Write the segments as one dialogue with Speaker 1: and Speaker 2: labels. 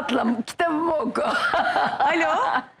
Speaker 1: rahatla, kitabımı oku.
Speaker 2: Alo.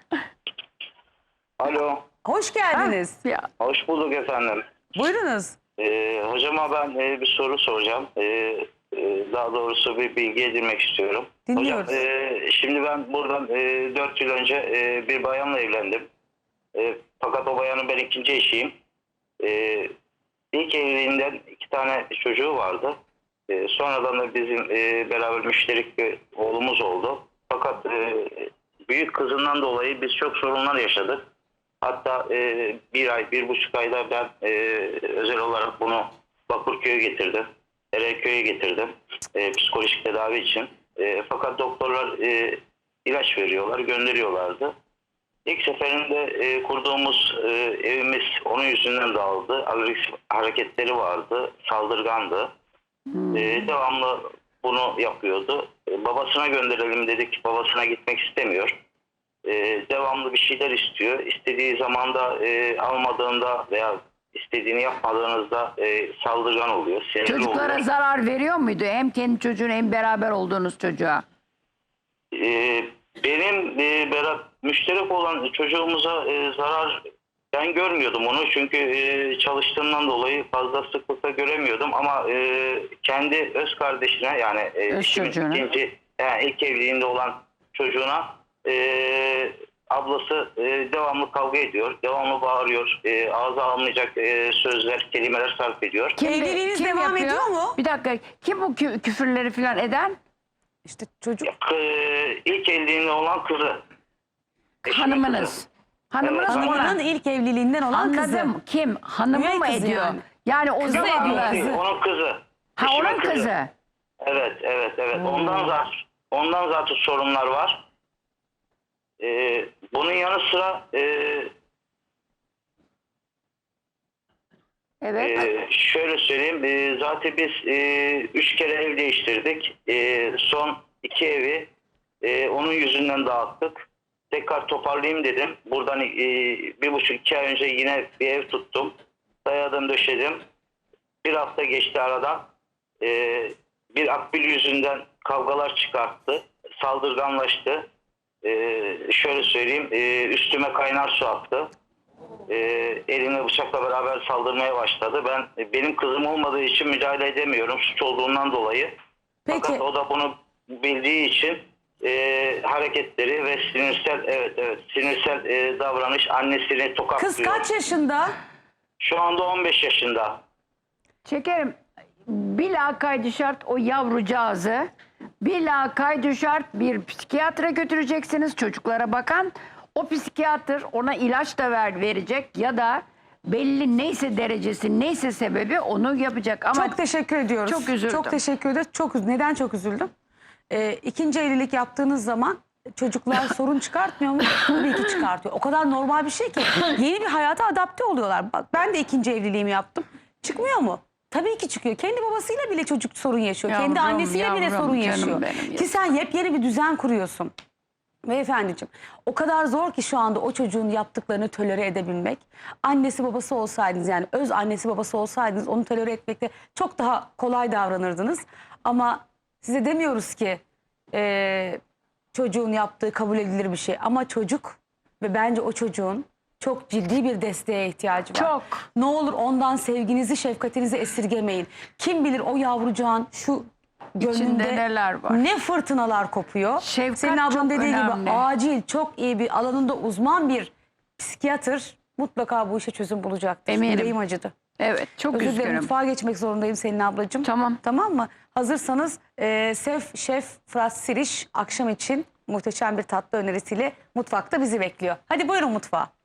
Speaker 3: Alo,
Speaker 2: Hoş geldiniz.
Speaker 1: Ya,
Speaker 3: hoş bulduk efendim.
Speaker 2: Buyurunuz.
Speaker 3: Hocama ben bir soru soracağım. Daha doğrusu bir bilgi edinmek istiyorum.
Speaker 2: Dinliyoruz.
Speaker 3: Hocam, şimdi ben buradan 4 yıl önce bir bayanla evlendim. Fakat o bayanın ben ikinci eşiyim. İlk evliliğinden 2 tane çocuğu vardı. Sonradan da bizim beraber müşterek bir oğlumuz oldu. Fakat büyük kızından dolayı biz çok sorunlar yaşadık. Hatta 1,5 ayda ben özel olarak bunu Bakırköy'e getirdim. Erenköy'e getirdim. Psikolojik tedavi için. Fakat doktorlar ilaç veriyorlar, gönderiyorlardı. İlk seferinde kurduğumuz evimiz onun yüzünden dağıldı. Agresif hareketleri vardı, saldırgandı. Devamlı bunu yapıyordu. Babasına gönderelim dedik, babasına gitmek istemiyor. Devamlı bir şeyler istiyor. İstediği zamanda almadığında veya istediğini yapmadığınızda saldırgan oluyor. Sinirli
Speaker 1: çocuklara
Speaker 3: oluyor.
Speaker 1: zarar veriyor muydu? Hem kendi çocuğuna hem beraber olduğunuz çocuğa.
Speaker 3: Benim müşterek olan çocuğumuza zarar ben görmüyordum onu. Çünkü çalıştığımdan dolayı fazla sıklıkla göremiyordum. Ama kendi öz kardeşine yani
Speaker 1: Öz çocuğuna.
Speaker 3: ilk evliliğinde olan çocuğuna ablası devamlı kavga ediyor. Devamlı bağırıyor. Ağza almayacak sözler, kelimeler sarf ediyor.
Speaker 2: Evliliğiniz devam ediyor mu?
Speaker 1: Bir dakika. Kim bu küfürleri falan eden?
Speaker 2: İşte çocuk.
Speaker 3: İlk evliliğinde olan kızı. Eşimin
Speaker 1: Hanımınız.
Speaker 3: kızı.
Speaker 1: Hanımınız
Speaker 3: Evet,
Speaker 1: ona.
Speaker 2: Hanımının ilk evliliğinden olan
Speaker 1: Anladım.
Speaker 2: kızı.
Speaker 1: Kim? Hanımı
Speaker 2: Üvey
Speaker 1: mı
Speaker 2: kızı
Speaker 1: ediyor?
Speaker 2: yani.
Speaker 1: Yani o
Speaker 2: Kızı
Speaker 1: zamanla.
Speaker 2: ediyor. Kızı.
Speaker 3: Onun kızı.
Speaker 1: Ha,
Speaker 3: Eşimin
Speaker 1: onun kızı.
Speaker 3: Evet. Ondan zaten sorunlar var. Bunun yanı sıra
Speaker 1: Evet.
Speaker 3: şöyle söyleyeyim. Zaten biz 3 kere ev değiştirdik. Son 2 evi onun yüzünden dağıttık. Tekrar toparlayayım dedim. Buradan 1,5-2 ay önce yine bir ev tuttum. Dayadım, döşedim. Bir hafta geçti aradan. Bir akbil yüzünden kavgalar çıkarttı. Saldırganlaştı. Şöyle söyleyeyim. Üstüme kaynar su attı. Elimle bıçakla beraber saldırmaya başladı. Benim kızım olmadığı için müdahale edemiyorum. Suç olduğundan dolayı.
Speaker 2: Peki.
Speaker 3: Fakat o da bunu bildiği için hareketleri ve sinirsel davranış, annesini tokatlıyor.
Speaker 2: Kız kaç yaşında?
Speaker 3: Şu anda 15 yaşında.
Speaker 1: Şekerim, bila kaydı şart o yavrucağızı bila kaydı şart bir psikiyatra götüreceksiniz, çocuklara bakan. O psikiyatr ona ilaç da verecek ya da belli neyse derecesi, neyse sebebi onu yapacak. Ama
Speaker 2: Çok teşekkür ediyoruz.
Speaker 1: Çok üzüldüm.
Speaker 2: Çok teşekkür ederiz. Neden çok üzüldüm? İkinci evlilik yaptığınız zaman çocuklar sorun çıkartmıyor mu? Tabii ki çıkartıyor. O kadar normal bir şey ki. Yeni bir hayata adapte oluyorlar. Bak ben de ikinci evliliğimi yaptım. Çıkmıyor mu? Tabii ki çıkıyor. Kendi babasıyla bile çocuk sorun yaşıyor. Kendi
Speaker 1: Yavrum,
Speaker 2: annesiyle bile
Speaker 1: yavrum,
Speaker 2: sorun
Speaker 1: canım
Speaker 2: yaşıyor.
Speaker 1: benim ya.
Speaker 2: Ki sen yepyeni bir düzen kuruyorsun. Beyefendiciğim, o kadar zor ki şu anda o çocuğun yaptıklarını tolere edebilmek. Annesi babası olsaydınız, yani öz annesi babası olsaydınız onu tolere etmekte çok daha kolay davranırdınız. Ama size demiyoruz ki çocuğun yaptığı kabul edilir bir şey. Ama çocuk ve bence o çocuğun çok ciddi bir desteğe ihtiyacı var.
Speaker 1: Çok.
Speaker 2: Ne olur ondan sevginizi, şefkatinizi esirgemeyin. Kim bilir o yavrucağın şu
Speaker 1: İçinde
Speaker 2: gönlünde
Speaker 1: neler var.
Speaker 2: ne fırtınalar kopuyor.
Speaker 1: Şefkat
Speaker 2: Senin ablan
Speaker 1: çok
Speaker 2: dediği
Speaker 1: önemli.
Speaker 2: gibi acil, çok iyi bir alanında uzman bir psikiyatr mutlaka bu işe çözüm bulacaktır.
Speaker 1: Eminim.
Speaker 2: Yüreğim acıdı.
Speaker 1: evet, çok
Speaker 2: Özür dilerim,
Speaker 1: üzgünüm.
Speaker 2: mutfağa geçmek zorundayım Selin ablacığım.
Speaker 1: Tamam.
Speaker 2: Tamam mı? Hazırsanız Şef Fırat Siriş akşam için muhteşem bir tatlı önerisiyle mutfakta bizi bekliyor. Hadi buyurun mutfağa.